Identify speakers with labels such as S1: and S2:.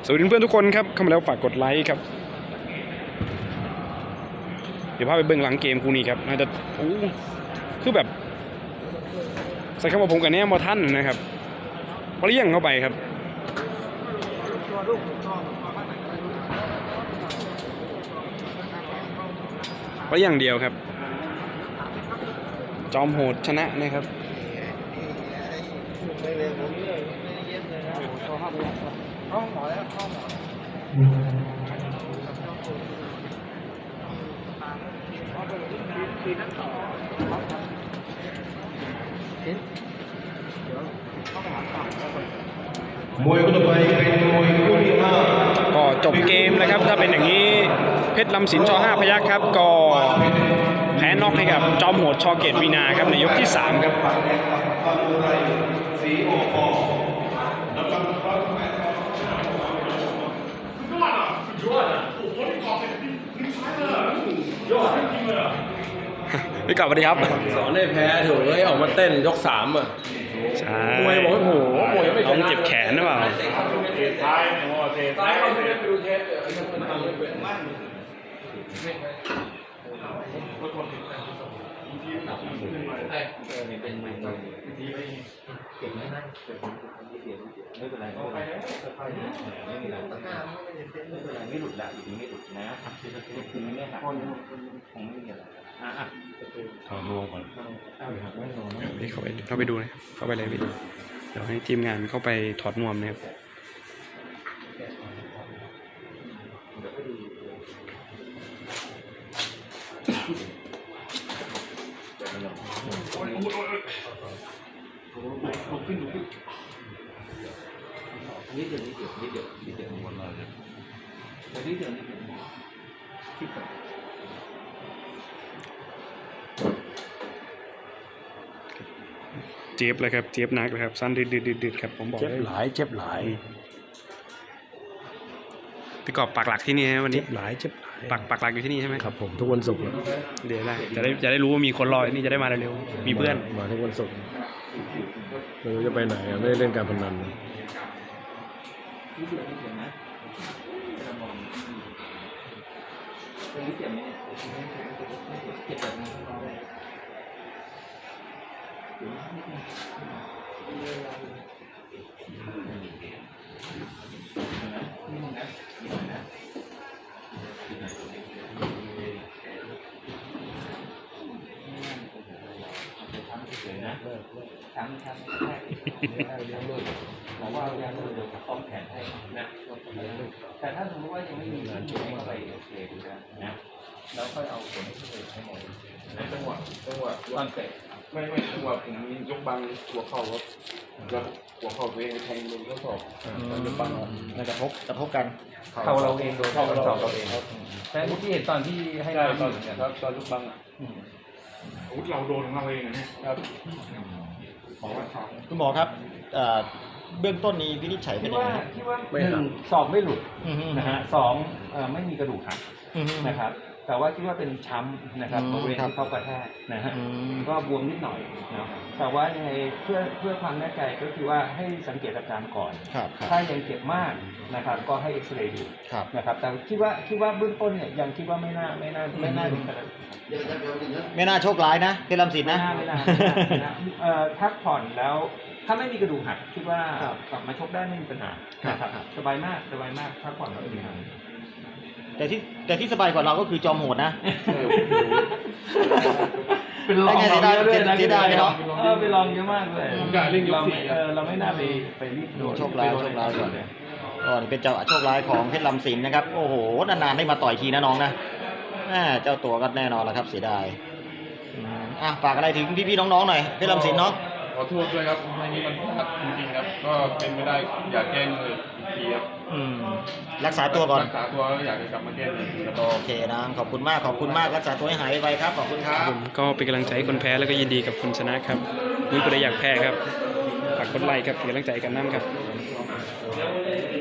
S1: สวัสดีเพื่อนทุกคนครับเข้ามาแล้วฝากกดไลค์ครับเดี๋ยวพาไปเบื้องหลังเกมกูนี่ครับน่าจะคือแบบใส่คำว่าผมกับแนมบอท่านนะครับเลี้ยงเข้าไปครับเลี้ยงเดียวครับจอมโหดชนะนะครับ
S2: มวยคู่ต่อไปเป็นมวยคู่ที่5
S1: ก็จบเกมนะครับถ้าเป็นอย่างนี้เพชรลำสินช5พยัคฆ์ครับก็แพ้น็อกให้กับจอมโหดชเกตวีนาครับในยกที่3ครับพี่กลับสวัสดีครับ
S3: สอนได้แพ้ถูกเลยออกมาเต้นยก3อ่ะ
S1: ใช่
S3: มวยบอกว่าโหมวยไม่ชนะ
S1: ต้องเจ็บแขนหรือเปล่า
S3: ซ้ายเขาไม่ได้ไปดูเทป
S4: ไม่หลุดละอยู่ดีไม่หลุดนะคือไม่หักคงไม่มีอะไร
S1: ถอดนวมก่อนพี่เข้าไปดูนะเข้าไปเลยพี่เดี๋ยวให้ทีมงานเข้าไปถอดนวมนะครับ
S4: นิดเดียวหมดเลยนิดเดียว
S1: เจี๊ยบเลยครับเจี๊ยบนักเลยครับสั้นดืดครับผมบอกเจ็บหลายพี่กอบปักหลักที่นี่วันนี้เจ็บหลายปักหลักอยู่ที่นี่ใช่ไหม
S3: ครับผมทุกวันศุกร์
S1: เดี๋ยวได้จะได้รู้ว่ามีคนรอนี่จะได้มาเร็วๆมีเพื่อน
S3: มาทุกวันศุกร์ไม่รู้จะไปไหนไม่ได้เล่นการพนัน
S4: บอกว่าเดี๋ยวซ้อมแขนให้นะแต่ถ้าสมมติว่ายังไม่มีงานช่วยก็ไปโอเคดูนะแล้วค่อยเอาผลให้หมดนะจังหวะวางเตะ
S2: ไม่จังหวะผมยกบังหัวเข่าครับแล้วหัวเข่าตัวเองแทงมือก็สอบยกบัง
S4: มันกระทบกันเข่าเราเองโดนเข่าเราเองครับแต่เมื่อกี้เห็นตอนที่ให้เราตอนยกบัง
S2: อาวุธเราโดนของเราเองนะครับ
S5: คุณหมอครับเบื้องต้นนี้วินิจฉัยเป็นยังไง
S4: ที่ว่า1 ศอกไม่หลุดนะฮะ2ไม่มีกระดูกหักนะครับแต่ว่าคิดว่าเป็นช้ำนะครับบริเวณที่เขากระแทกนะฮะก็บวมนิดหน่อยนะแต่ว่ายังไงเพื่อความแน่ใจก็คือว่าให้สังเกตอาการก่อนถ้ายังเจ็บมากนะครับก็ให้เอ็กซเรย์ดูนะครับแต่คิดว่าเบื้องต้นเนี่ยยังคิดว่าไม่น่าถึงขนาด
S5: ไม่น่าโชคร้ายนะเพชรลำสินนะ
S4: ไม่น่าพักผ่อนแล้วถ้าไม่มีกระดูกหักคิดว่ากลับมาชกได้ไม่มีปัญหานะครับสบายมากพักผ่อนแล้วไม่มีปัญหา
S5: แต่ที่สบายกว่าเราก็คือจอมโหดนะ
S4: เป็นลองเยอะด้วยนะ
S5: ที่ได้เนาะ
S4: ไปลองเยอะมากเลยเราไม่น่าไปรีบโดน
S5: โชคร้ายก่อนเป็นเจ้าโชคร้ายของเพชรลำสินนะครับโอ้โหนานๆได้มาต่อยทีนะน้องนะเจ้าตัวก็แน่นอนแล้วครับเสียดายฝากอะไรถึงพี่ๆน้องๆหน่อยเพชรลำสินเนาะ
S2: ขอโทษด้วยครับในนี้มันพลาดจริงๆครับก็เป็นไม่ได้อยากแก้มืออีกทีครับ
S5: รักษาตัวก่อน
S2: รักษาตัวอยากจะกลับมาแก้มือ
S5: โอเคนะขอบคุณมากรักษาตัวให้หายไวครับขอบคุณครับ
S1: ผมก็เป็นกำลังใจให้คนแพ้แล้วก็ยินดีกับคุณชนะครับนี่ก็ได้อยากแพ้ครับฝากกดไลค์ครับเป็นกำลังใจกันน้ำครับ